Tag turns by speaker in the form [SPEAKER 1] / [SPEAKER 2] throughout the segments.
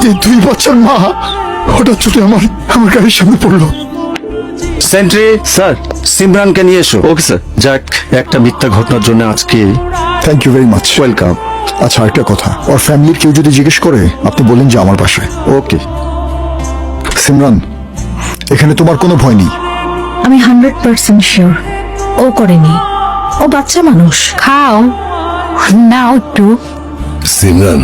[SPEAKER 1] এই 2 বছর মা হঠাৎ চলে আমার গাড়ির সামনে পড়লো।
[SPEAKER 2] Sentry
[SPEAKER 3] sir.
[SPEAKER 2] সিমরানকে নিয়ে এসো।
[SPEAKER 3] Okay sir.
[SPEAKER 2] যাক, একটা মিথ্যা ঘটনার জন্য আজকে
[SPEAKER 1] thank you very much.
[SPEAKER 2] Welcome.
[SPEAKER 1] আচ্ছা, একটা কথা, ওর ফ্যামিলির কেউ যদি জিজ্ঞেস করে আপনি বলেন যে আমার বাসায়।
[SPEAKER 2] ওকে।
[SPEAKER 1] সিমরান, এখানে তোমার কোনো ভয় নেই।
[SPEAKER 4] আমি 100% শিওর ও করেনি। ও বাচ্চা মানুষ। খাও নাও একটু।
[SPEAKER 5] সিমরান,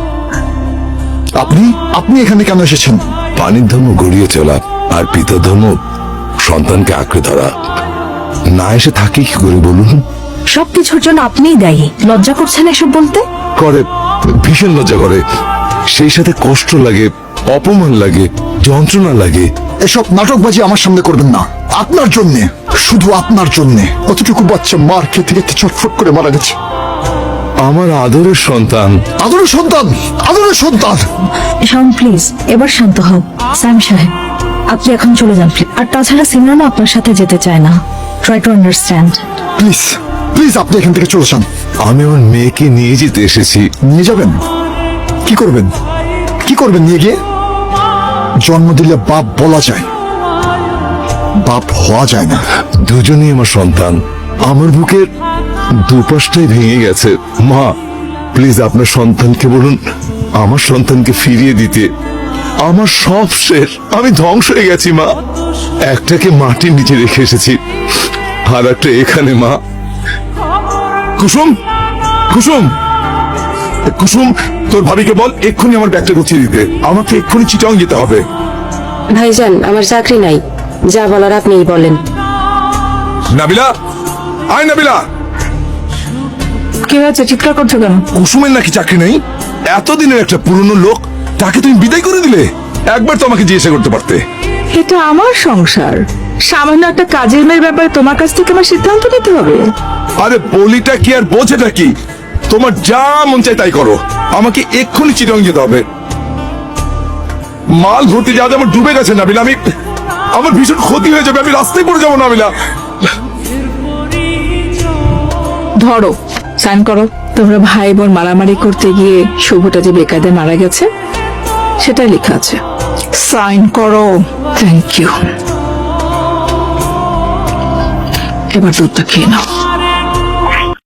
[SPEAKER 1] আপনি এখানে কেন এসেছেন?
[SPEAKER 5] পানির ধর্ম গড়িয়ে চলা আর পিতার ধর্ম সন্তানকে আঁকড়ে ধরা। না এসে থাকি কি করে বলুন?
[SPEAKER 4] সবকিছুর জন্য আপনিই দায়ী। লজ্জা করছেন এসব বলতে?
[SPEAKER 5] করে, ভীষণ লজ্জা করে, সেই সাথে কষ্ট লাগে, অপমান লাগে, যন্ত্রণা লাগে।
[SPEAKER 1] এসব নাটকবাজি আমার সামনে করবেন না। আপনার জন্যে, শুধু আপনার জন্যে কতটুকু বাচ্চা মার খেতে খেতে চটফট করে মারা গেছে।
[SPEAKER 5] আমার আদরের সন্তান।
[SPEAKER 1] আদরের সন্তান, আদরের সন্তান।
[SPEAKER 4] শাওন প্লিজ এবার শান্ত হও। স্যাম সাহেব আপনি এখন চলে যান প্লিজ। আর তাছাড়া সিমরানও আপনার সাথে যেতে চায় না। Try to understand.
[SPEAKER 1] Please please আপনি এখান থেকে চলে যান।
[SPEAKER 5] আমি আমার মেয়েকে নিয়ে যেতে এসেছি।
[SPEAKER 1] নিয়ে যাবেন? কি করবেন? কি করবেন নিয়ে গিয়ে? জন্ম দিলে বাপ বলা যায়, বাপ হওয়া যায় না।
[SPEAKER 5] দুজনেই আমার সন্তান। আমার বুকের দুপাশটাই ভেঙে গেছে। মা প্লিজ আপনার সন্তানকে বলুন আমার সন্তানকে ফিরিয়ে দিতে। আমার সব শেষ, আমি ধ্বংস হয়ে গেছি মা। একটাকে মাটির নিচে রেখে এসেছি, আর একটা এখানে। মা কুসুম, কুসুম, কুসুম, তোর ভাবিকে বল এক্ষুনি আমার ব্যাগটা গুছিয়ে দিতে। আমাকে এক্ষুনি চিটাং যেতে হবে।
[SPEAKER 6] ভাইজান আমার চাকরি নাই, যা বলার আপনিই বলেন।
[SPEAKER 5] নাবিলা, আয় নাবিলা।
[SPEAKER 4] কি হয়েছে? চিৎকার করছো কেন?
[SPEAKER 5] কুসুমের নাকি চাকরি নেই? এতদিনের একটা পুরনো লোক, তাকে তুমি বিদায় করে দিলে। একবার তো আমাকে জিজ্ঞাসা করতে পারতে।
[SPEAKER 7] এটা আমার সংসার, সামান্য একটা কাজের মেয়ের ব্যাপারে তোমার কাছ থেকে আমার সিদ্ধান্ত নিতে হবে?
[SPEAKER 5] আরে বলিটা কি আর বোঝেটা কি? তোমার যা মন চাই তাই করো। আমাকে এক্ষুনি চিটং যেতে হবে। মাল ভর্তি যাওয়া আমার ডুবে গেছে নাবিলা। আমার ভীষণ ক্ষতি হয়ে যাবে, আমি রাস্তায় পড়ে যাবো নাবিলা।
[SPEAKER 7] ধরো সাইন করো। তোমরা ভাই বোন মারামারি করতে গিয়ে শুভটা যে বেকায়দায় মারা গেছে সেটাই লেখা আছে। সাইন করো। Thank you. এবার দুধটা খেয়ে নাও।